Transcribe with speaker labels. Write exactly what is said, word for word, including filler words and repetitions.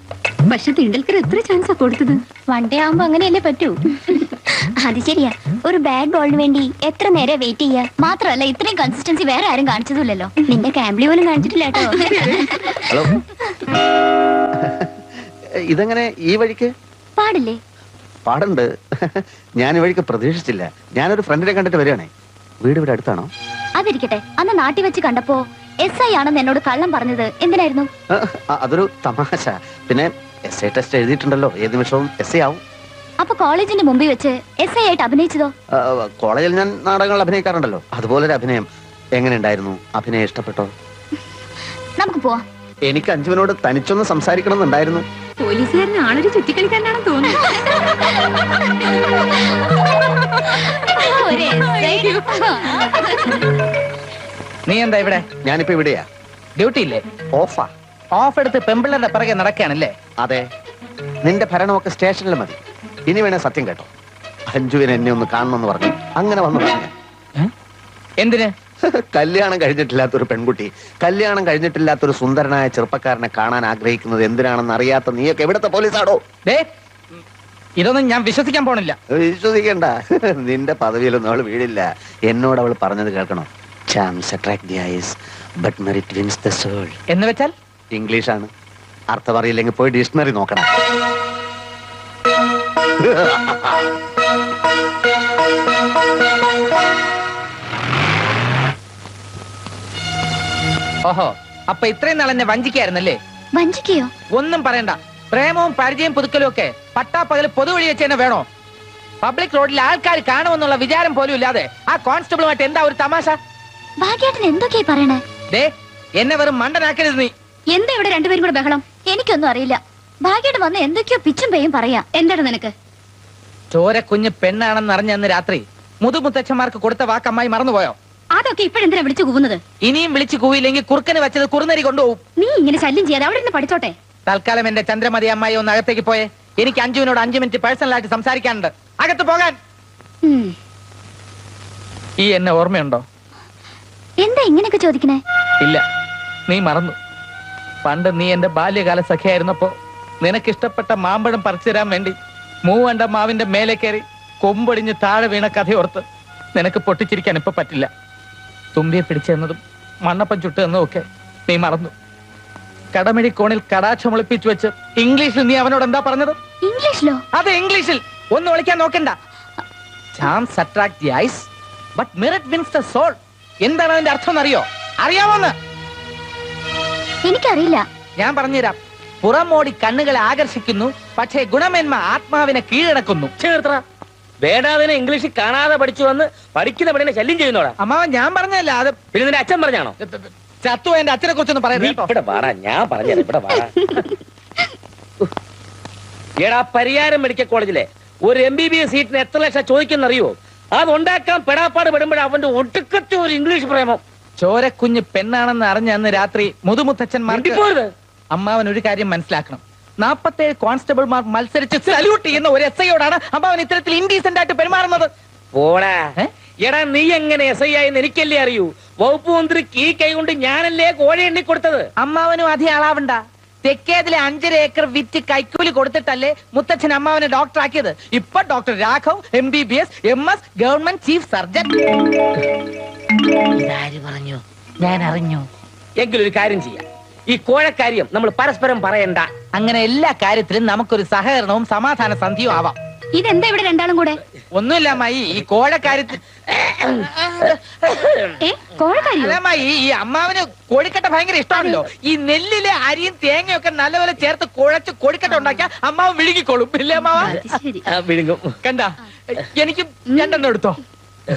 Speaker 1: പക്ഷെ തിണ്ടൽക്കർ എത്ര ചാൻസാ കൊടുത്തത്?
Speaker 2: വൺ ഡേ ആവുമ്പോ അങ്ങനെയല്ലേ പറ്റൂ. അത് ശരിയാ, ഒരു ബാഡ് ബോളിന് വേണ്ടി എത്ര നേരം വെയിറ്റ് ചെയ്യാ. മാത്രമല്ല ഇത്രയും കൺസിസ്റ്റൻസി വേറെ ആരും കാണിച്ചതില്ലല്ലോ. നിന്റെ ക്യാമ്പിളി പോലും കാണിച്ചിട്ടില്ല കേട്ടോ.
Speaker 3: ഹലോ, ഇതെങ്ങനെ ഈ വഴിക്ക്?
Speaker 2: പാടില്ലേ?
Speaker 3: പാടുണ്ട്. ഞാൻ ഈ വഴിക്ക് പ്രതീക്ഷിച്ചില്ല. ഞാനൊരു ഫ്രണ്ടിനെ കണ്ടിട്ട് വരികയാണേ. വീട് ഇവിടെ അടുത്താണോ?
Speaker 2: അതിരിക്കട്ടെ, അന്ന് നാട്ടിൽ വെച്ച് കണ്ടപ്പോ എസ് ഐ ആണെന്ന് എന്നോട് കള്ളം പറഞ്ഞത് എന്തിനായിരുന്നു?
Speaker 3: അതൊരു തമാശ. പിന്നെ എസ് ഐ ടെസ്റ്റ് എഴുതിയിട്ടുണ്ടല്ലോ, ഏത് നിമിഷവും എസ് ഐ ആവും.
Speaker 2: അപ്പൊ കോളേജിന്റെ മുമ്പിൽ വെച്ച് എസ് ഐ ആയിട്ട് അഭിനയിച്ചതോ?
Speaker 3: കോളേജിൽ ഞാൻ നാടകങ്ങൾ അഭിനയിക്കാറുണ്ടല്ലോ, അതുപോലൊരു അഭിനയം. എങ്ങനെ ഉണ്ടായിരുന്നു? അഭിനയം ഇഷ്ടപ്പെട്ടോ?
Speaker 2: നമുക്ക് പോവാം.
Speaker 3: എനിക്ക് അഞ്ജുവിനോട് തനിച്ചൊന്ന് സംസാരിക്കണം എന്നുണ്ടായിരുന്നു.
Speaker 1: പോലീസുകാരന് ആളൊരു ചുറ്റിക്കളിക്കാരനാണെന്ന് തോന്നുന്നു.
Speaker 4: നീ എന്താ ഇവിടെ?
Speaker 3: ഞാനിപ്പോ ഇവിടെയാ.
Speaker 4: ഡ്യൂട്ടി ഇല്ലേ?
Speaker 3: ഓഫാ.
Speaker 4: ഓഫ് എടുത്ത് പെമ്പിള്ളേരുടെ പിറകെ നടക്കുകയാണല്ലേ?
Speaker 3: അതെ, നിന്റെ ഭരണമൊക്കെ സ്റ്റേഷനിൽ മതി. ഇനി വേണേ സത്യം കേട്ടോ, അഞ്ജുവിനെ എന്നെ ഒന്ന് കാണണമെന്ന് പറഞ്ഞു. അങ്ങനെ വന്നു പറഞ്ഞു.
Speaker 4: എന്തിന്?
Speaker 3: കല്യാണം കഴിഞ്ഞിട്ടില്ലാത്തൊരു പെൺകുട്ടി കല്യാണം കഴിഞ്ഞിട്ടില്ലാത്തൊരു സുന്ദരനായ ചെറുപ്പക്കാരനെ കാണാൻ ആഗ്രഹിക്കുന്നത് എന്തിനാണെന്ന് അറിയാത്ത നീയൊക്കെ എവിടത്തെ പോലീസാണോ?
Speaker 4: ഇതൊന്നും ഞാൻ വിശ്വസിക്കാൻ പോണില്ല.
Speaker 3: വിശ്വസിക്കണ്ട, നിന്റെ പദവിയിലൊന്നും അവള് വീടില്ല. എന്നോട് അവൾ പറഞ്ഞത് കേൾക്കണം. Charms attract the eyes, but merit wins the soul.
Speaker 4: എന്ന് വെച്ചാൽ
Speaker 3: ഇംഗ്ലീഷാണ്. അർത്ഥം അറിയില്ലെങ്കിൽ പോയി ഡിക്ഷണറി നോക്കണം.
Speaker 4: ഓഹോ, അപ്പൊ ഇത്രയും നാൾ എന്നെ വഞ്ചിക്കായിരുന്നല്ലേ?
Speaker 2: വഞ്ചിക്കയോ?
Speaker 4: ഒന്നും പറയണ്ട. പ്രേമവും പരിചയം പുതുക്കലും ഒക്കെ പട്ടാപ്പകല് പൊതുവഴി വെച്ച് തന്നെ വേണോ? പബ്ലിക് റോഡിൽ ആൾക്കാർ കാണുമെന്നുള്ള വിചാരം പോലും ഇല്ലാതെ ആ കോൺസ്റ്റബിളുമായിട്ട് എന്താ ഒരു തമാശ?
Speaker 2: ഭാഗ്യേട്ടൻ എന്തൊക്കെയാ പറയണേ?
Speaker 4: ദേ, എന്നെ വെറും മണ്ടനാക്കരുത് നീ.
Speaker 2: എന്താ ഇവിടെ രണ്ടുപേരും കൂടെ ബഹളം? എനിക്കൊന്നും അറിയില്ല. ഭാഗ്യേട്ടൻ വന്ന് എന്തൊക്കെയോ പിച്ചും പേയും പറയാ. എന്താണ് നിനക്ക്?
Speaker 4: ചോര കുഞ്ഞ് പെണ്ണാണെന്ന് അറിഞ്ഞ അന്ന് രാത്രി മുതുമുത്തച്ഛന്മാർക്ക് കൊടുത്ത വാക്കമ്മായി മറന്നുപോയോ?
Speaker 1: അതൊക്കെ ഇപ്പോഴെന്തിനാ വിളിച്ചു കൂവുന്നത്?
Speaker 4: ഇനിയും വിളിച്ചു കൂവില്ലെങ്കിൽ കുറുക്കന് വെച്ചത് കുറുനരി കൊണ്ടുപോകും.
Speaker 1: നീ ഇങ്ങനെ ശല്യം ചെയ്യാതെ അവിടെ നിന്ന് പഠിച്ചോട്ടെ.
Speaker 4: തൽക്കാലം എന്റെ ചന്ദ്രമതി അമ്മായി ഒന്ന് അകത്തേക്ക് പോയേ. എനിക്ക് അഞ്ജുവിനോട് അഞ്ചു മിനിറ്റ് പേഴ്സണലായിട്ട് സംസാരിക്കാനുണ്ട്. അകത്ത് പോകാൻ. ഈ എന്നെ ഓർമ്മയുണ്ടോ?
Speaker 2: എന്താ ഇങ്ങനെയൊക്കെ ചോദിക്കണേ?
Speaker 4: ഇല്ല, നീ മറന്നു. പണ്ട് നീ എന്റെ ബാല്യകാല സഖിയായിരുന്നപ്പോ നിനക്കിഷ്ടപ്പെട്ട മാമ്പഴം പറിച്ചു തരാൻ വേണ്ടി മൂവണ്ട മാവിന്റെ മേലെ കയറി കൊമ്പൊടിഞ്ഞ് താഴെ വീണ കഥയോർത്ത് നിനക്ക് പൊട്ടിച്ചിരിക്കാൻ ഇപ്പൊ പറ്റില്ല. തുമ്പിയെ പിടിച്ചെന്നതും മണ്ണപ്പം ചുട്ട് എന്നതും ഒക്കെ നീ മറന്നു. കടമിഴി കോണിൽ കടാക്ഷം ഒളിപ്പിച്ചു വെച്ച് ഇംഗ്ലീഷിൽ നീ അവനോട് എന്താ പറഞ്ഞത്?
Speaker 2: ഇംഗ്ലീഷിലോ?
Speaker 4: അതെ, ഇംഗ്ലീഷിൽ. ഒന്നും വിളിക്കാൻ നോക്കണ്ട. Charms attract the eyes, but merit wins the soul. എന്താണ് അതിന്റെ അർത്ഥം എന്നറിയോ? അറിയാമോന്ന്?
Speaker 2: എനിക്കറിയില്ല.
Speaker 4: ഞാൻ പറഞ്ഞുതരാം. പുറമോടി കണ്ണുകളെ ആകർഷിക്കുന്നു, പക്ഷേ ഗുണമേന്മ ആത്മാവിനെ കീഴടക്കുന്നു.
Speaker 5: ചേർത്ര വേണ്ടാതിനെ ഇംഗ്ലീഷിൽ കാണാതെ പഠിച്ചു വന്ന് പഠിക്കുന്ന പെണ്ണിനെ ശല്യം ചെയ്യുന്നോടാ.
Speaker 4: അമ്മാവൻ ഞാൻ പറഞ്ഞല്ല, അത്
Speaker 5: പിന്നെ നിന്റെ അച്ഛൻ പറഞ്ഞാണോ?
Speaker 4: ചത്തു എന്റെ അച്ഛനെ കുറിച്ചൊന്നും പറയുന്നത്.
Speaker 5: ഇവിടെ വാടാ, ഞാൻ പറഞ്ഞത് ഇവിടെ വാടാ. എടാ, പരിയാരം മെഡിക്കൽ കോളേജിലെ ഒരു എം ബി ബി എസ് സീറ്റിന് എത്ര ലക്ഷം ചോദിക്കുന്നറിയോ? അത് ഉണ്ടാക്കാൻ പെടാപ്പാട് പെടുമ്പോഴേ അവന്റെ ഒടുക്കത്തെ ഒരു ഇംഗ്ലീഷ് പ്രേമം.
Speaker 4: ചോരക്കുഞ്ഞ് പെണ്ണാണെന്ന് അറിഞ്ഞ അന്ന് രാത്രി മുതുമുത്തച്ഛന്മാർക്ക് അമ്മാവൻ ഒരു കാര്യം മനസ്സിലാക്കണം. നാപ്പത്തേഴ് കോൺസ്റ്റബിൾമാർ മത്സരിച്ച് സല്യൂട്ട് ചെയ്യുന്ന ഒരു എസ് ഐയോടാണ് അമ്മാവൻ ഇത്തരത്തിൽ ഇൻഡീസെന്റ് ആയിട്ട് പെരുമാറുന്നത്.
Speaker 5: പോടാ. എടാ, നീ എങ്ങനെ എസ് ഐ ആയെന്ന് എനിക്കല്ലേ അറിയൂ. വകുപ്പ് മന്ത്രിക്ക് ഈ കൈ കൊണ്ട് ഞാനല്ലേ കോഴ എണ്ണി കൊടുത്തത്.
Speaker 4: അമ്മാവനും അധികം ആളാവണ്ട. തെക്കേതിലെ അഞ്ചര ഏക്കർ വിറ്റ് കൈക്കൂലി കൊടുത്തിട്ടല്ലേ മുത്തച്ഛൻ അമ്മാവനെ ഡോക്ടർ ആക്കിയത്. ഇപ്പൊ doctor Raghav M B B S M S government chief surgeon.
Speaker 5: ഇതാര് പറഞ്ഞു? ഞാൻ അറിഞ്ഞു. എങ്കിലൊരു കാര്യം ചെയ്യാം. ഈ കോഴക്കാര്യം നമ്മൾ പരസ്പരം പറയണ്ട.
Speaker 4: അങ്ങനെ എല്ലാ കാര്യത്തിലും നമുക്കൊരു സഹകരണവും സമാധാന സന്ധിയും ആവാം.
Speaker 1: ഇതെന്താ ഇവിടെ രണ്ടാളും കൂടെ?
Speaker 4: ഒന്നുമില്ല അമ്മായി, ഈ കോഴക്കാര്യത്തിൽ അല്ലമ്മായി, ഈ അമ്മാവന് കോഴിക്കട്ട ഭയങ്കര ഇഷ്ടമാണല്ലോ. ഈ നെല്ലിലെ അരിയും തേങ്ങയൊക്കെ നല്ലപോലെ ചേർത്ത് കുഴച്ച് കോഴിക്കട്ട ഉണ്ടാക്കിയാൽ അമ്മാവൻ വിഴുങ്ങിക്കോളും. ഇല്ലേ അമ്മാവ?
Speaker 5: വിഴുങ്ങും.
Speaker 4: കണ്ട, എനിക്ക് രണ്ടെണ്ണം എടുത്തോ.